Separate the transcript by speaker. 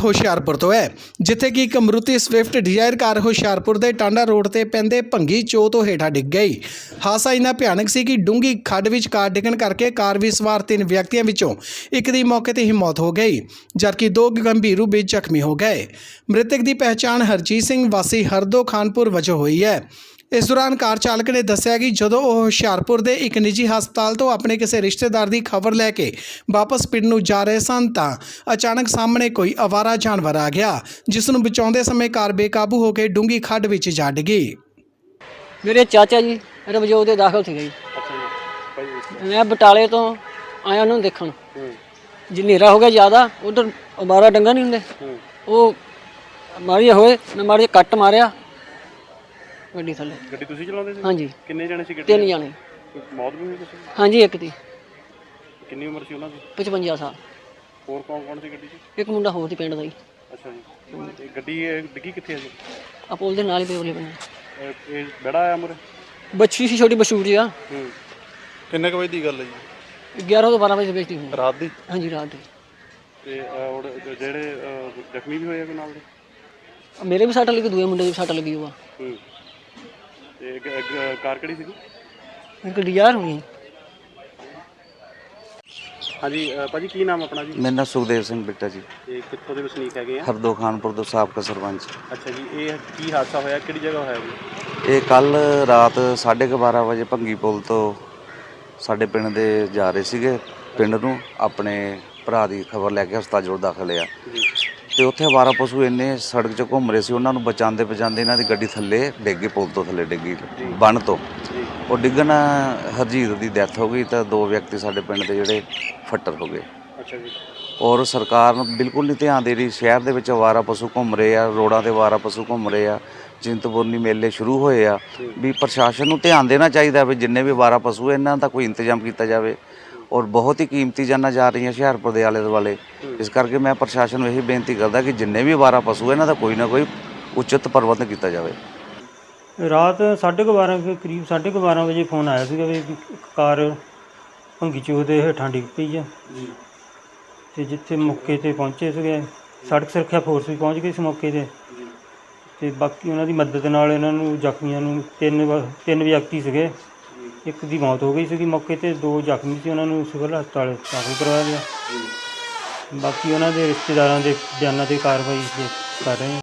Speaker 1: ਹੁਸ਼ਿਆਰਪੁਰ ਤੋਂ ਹੈ, ਜਿੱਥੇ ਕਿ ਇੱਕ Maruti Swift Dzire car Hoshiarpur ਦੇ ਟਾਂਡਾ ਰੋਡ ਤੇ ਪੈਂਦੇ ਭੰਗੀ ਚੋ ਤੋਂ ਹੇਠਾਂ ਡਿੱਗ ਗਈ। ਹਾਦਸਾ ਇੰਨਾ ਭਿਆਨਕ ਸੀ ਕਿ ਡੂੰਘੀ ਖੱਡ ਵਿੱਚ ਕਾਰ ਡਿੱਗਣ ਕਰਕੇ ਕਾਰ ਵਿੱਚ ਸਵਾਰ 3 ਵਿਅਕਤੀਆਂ ਵਿੱਚੋਂ ਇੱਕ ਦੀ ਮੌਕੇ ਤੇ ਹੀ ਮੌਤ ਹੋ ਗਈ, ਜਦਕਿ 2 ਗੰਭੀਰ ਰੂਪ ਵਿੱਚ ਜ਼ਖਮੀ ਹੋ ਗਏ। ਮ੍ਰਿਤਕ ਦੀ ਪਹਿਚਾਣ ਹਰਜੀਤ ਸਿੰਘ ਵਾਸੀ ਹਰਦੋ ਖਾਨਪੁਰ ਵਜੋਂ ਹੋਈ ਹੈ। इस दौरान कार चालक ने दस्सिया कि जदों वह हुशियारपुर के एक निजी हस्पताल तो अपने किसी रिश्तेदार की खबर लैके वापस पिंड नूं जा रहे सन तां अचानक सामने कोई आवारा जानवर आ गया, जिस नूं बचाउंदे समय कार बेकाबू होकर डूंगी खड्ड विच जा डिगी।
Speaker 2: मेरे चाचा जी रमजोत दे दाखल थे जी। मैं बटाले तो आया उन्होंने देखण जी नेरा हो गया ज़्यादा, उधर आवारा डंगा नहीं होंगे वो मारी होए, मैं मारी कट मारिया ਗੱਡੀ ਥੱਲੇ।
Speaker 3: ਗੱਡੀ ਤੁਸੀਂ ਚਲਾਉਂਦੇ ਸੀ?
Speaker 2: ਹਾਂਜੀ।
Speaker 3: ਕਿੰਨੇ ਜਣੇ ਸੀ ਗੱਡੀ?
Speaker 2: 3 ਜਣੇ।
Speaker 3: ਮੌਤ ਵੀ ਹੋਈ ਕਿਸੇ ਦੀ?
Speaker 2: ਹਾਂਜੀ ਇੱਕ ਦੀ।
Speaker 3: ਕਿੰਨੀ ਉਮਰ ਸੀ ਉਹਨਾਂ ਦੀ?
Speaker 2: 55 ਸਾਲ।
Speaker 3: ਹੋਰ ਕੌਣ ਸੀ ਗੱਡੀ 'ਚ?
Speaker 2: ਇੱਕ ਮੁੰਡਾ ਹੋਰ ਸੀ ਪਿੰਡ ਦਾ ਹੀ।
Speaker 3: ਅੱਛਾ ਜੀ। ਤੇ ਗੱਡੀ ਡਿੱਗੀ ਕਿੱਥੇ ਹੈ ਜੀ?
Speaker 2: ਆ ਪੁਲ ਦੇ ਨਾਲ ਹੀ ਪੇਵਲੇ ਬਣੇ।
Speaker 3: ਇਹ ਬੜਾ ਆਇਆ ਮੁਰੇ?
Speaker 2: ਬੱਚੀ ਸੀ ਛੋਟੀ ਬਸ਼ੂਰ ਜੀ ਆ।
Speaker 3: ਕਿੰਨੇ ਕੁ ਵਜੇ ਦੀ ਗੱਲ ਹੈ ਜੀ?
Speaker 2: 11 ਤੋਂ 12 ਵਜੇ ਦੇ ਵਿੱਚ ਦੀ।
Speaker 3: ਰਾਤ ਦੀ?
Speaker 2: ਹਾਂਜੀ ਰਾਤ ਦੀ।
Speaker 3: ਤੇ ਜਿਹੜੇ ਜ਼ਖਮੀ ਵੀ ਹੋਏ ਆ ਕੋਈ ਨਾਲ ਦੇ?
Speaker 2: ਮੇਰੇ ਵੀ ਸੱਟ ਲੱਗੀ, ਦੂਏ ਮੁੰਡੇ ਦੀ ਵੀ ਸੱਟ ਲੱਗੀ ਹੋਆ।
Speaker 3: ਤੇ ਕਾਰ ਕਿਹੜੀ ਸੀਗੀ?
Speaker 2: ਇੱਕ ਡਿਜ਼ਾਇਰ ਹੋਣੀ।
Speaker 3: ਹਾਂਜੀ ਭਾਜੀ ਕੀ ਨਾਮ ਆਪਣਾ ਜੀ?
Speaker 4: ਮੇਰਾ ਨਾਮ ਸੁਖਦੇਵ ਸਿੰਘ ਬਿੱਟਾ ਜੀ।
Speaker 3: ਤੇ ਕਿੱਥੋਂ ਦੇ ਵਸਨੀਕ ਹੈਗੇ ਆ?
Speaker 4: ਹਰਦੋ ਖਾਨਪੁਰ ਤੋਂ ਸਾਬਕਾ ਸਰਪੰਚ।
Speaker 3: ਅੱਛਾ ਜੀ, ਇਹ ਕੀ ਹਾਦਸਾ ਹੋਇਆ, ਕਿਹੜੀ ਜਗ੍ਹਾ ਹੋਇਆ ਜੀ?
Speaker 4: ਇਹ ਕੱਲ ਰਾਤ 12:30 ਵਜੇ ਭੰਗੀ ਪੁਲ ਤੋਂ ਸਾਡੇ ਪਿੰਡ ਦੇ ਜਾ ਰਹੇ ਸੀਗੇ ਪਿੰਡ ਨੂੰ, ਆਪਣੇ ਭਰਾ ਦੀ ਖਬਰ ਲੈ ਕੇ ਹਸਪਤਾਲ ਜੋੜ ਦਾਖਲ ਆ। ਤੇ ਉੱਥੇ ਅਵਾਰਾ ਪਸ਼ੂ ਇੰਨੇ ਸੜਕ 'ਚ ਘੁੰਮ ਰਹੇ ਸੀ, ਉਹਨਾਂ ਨੂੰ ਬਚਾਉਂਦੇ ਇਹਨਾਂ ਦੀ ਗੱਡੀ ਥੱਲੇ ਡਿੱਗੀ, ਪੁਲ ਤੋਂ ਥੱਲੇ ਡਿੱਗੀ ਬੰਨ ਤੋਂ। ਉਹ ਡਿੱਗਣ ਹਰਜੀਤ ਦੀ ਡੈਥ ਹੋ ਗਈ ਤਾਂ 2 ਵਿਅਕਤੀ ਸਾਡੇ ਪਿੰਡ ਦੇ ਜਿਹੜੇ ਫੱਟਰ ਹੋ ਗਏ।
Speaker 3: ਅੱਛਾ ਜੀ।
Speaker 4: ਔਰ ਸਰਕਾਰ ਨੂੰ ਬਿਲਕੁਲ ਨਹੀਂ ਧਿਆਨ ਦੇ ਰਹੀ। ਸ਼ਹਿਰ ਦੇ ਵਿੱਚ ਅਵਾਰਾ ਪਸ਼ੂ ਘੁੰਮ ਰਹੇ ਆ, ਰੋਡਾਂ 'ਤੇ ਅਵਾਰਾ ਪਸ਼ੂ ਘੁੰਮ ਰਹੇ ਆ, ਚਿੰਤਪੁਰਨੀ ਮੇਲੇ ਸ਼ੁਰੂ ਹੋਏ ਆ। ਵੀ ਪ੍ਰਸ਼ਾਸਨ ਨੂੰ ਧਿਆਨ ਦੇਣਾ ਚਾਹੀਦਾ ਵੀ ਜਿੰਨੇ ਵੀ ਅਵਾਰਾ ਪਸ਼ੂ ਇਹਨਾਂ ਦਾ ਕੋਈ ਇੰਤਜ਼ਾਮ ਕੀਤਾ ਜਾਵੇ। ਔਰ ਬਹੁਤ ਹੀ ਕੀਮਤੀ ਜਾਨਾਂ ਜਾ ਰਹੀਆਂ ਹੁਸ਼ਿਆਰਪੁਰ ਦੇ ਆਲੇ ਦੁਆਲੇ। ਇਸ ਕਰਕੇ ਮੈਂ ਪ੍ਰਸ਼ਾਸਨ ਨੂੰ ਇਹੀ ਬੇਨਤੀ ਕਰਦਾ ਕਿ ਜਿੰਨੇ ਵੀ ਅਵਾਰਾ ਪਸ਼ੂ ਇਹਨਾਂ ਦਾ ਕੋਈ ਨਾ ਕੋਈ ਉਚਿਤ ਪ੍ਰਬੰਧ ਕੀਤਾ ਜਾਵੇ।
Speaker 5: ਰਾਤ 12:30 ਕੇ ਕਰੀਬ 12:30 ਵਜੇ ਫੋਨ ਆਇਆ ਸੀਗਾ ਵੀ ਇੱਕ ਕਾਰ ਭੰਗੀ ਚੋਹ ਦੇ ਹੇਠਾਂ ਡਿੱਗ ਪਈ ਆ। ਤੇ ਜਿੱਥੇ ਮੌਕੇ 'ਤੇ ਪਹੁੰਚੇ ਸੀਗੇ, ਸੜਕ ਸੁਰੱਖਿਆ ਫੋਰਸ ਵੀ ਪਹੁੰਚ ਗਈ ਸੀ ਮੌਕੇ 'ਤੇ। ਤੇ ਬਾਕੀ ਉਹਨਾਂ ਦੀ ਮਦਦ ਨਾਲ ਇਹਨਾਂ ਨੂੰ ਜ਼ਖਮੀਆਂ ਨੂੰ 3 ਵਿਅਕਤੀ ਸੀਗੇ, ਇੱਕ ਦੀ ਮੌਤ ਹੋ ਗਈ ਸੀਗੀ ਮੌਕੇ 'ਤੇ, 2 ਜ਼ਖਮੀ ਸੀ, ਉਹਨਾਂ ਨੂੰ ਸਿਵਲ ਹਸਪਤਾਲ ਦਾਖਲ ਕਰਵਾਇਆ ਗਿਆ। ਬਾਕੀ ਉਹਨਾਂ ਦੇ ਰਿਸ਼ਤੇਦਾਰਾਂ ਦੇ ਬਿਆਨਾਂ 'ਤੇ ਕਾਰਵਾਈ ਕਰ ਰਹੇ ਹਾਂ।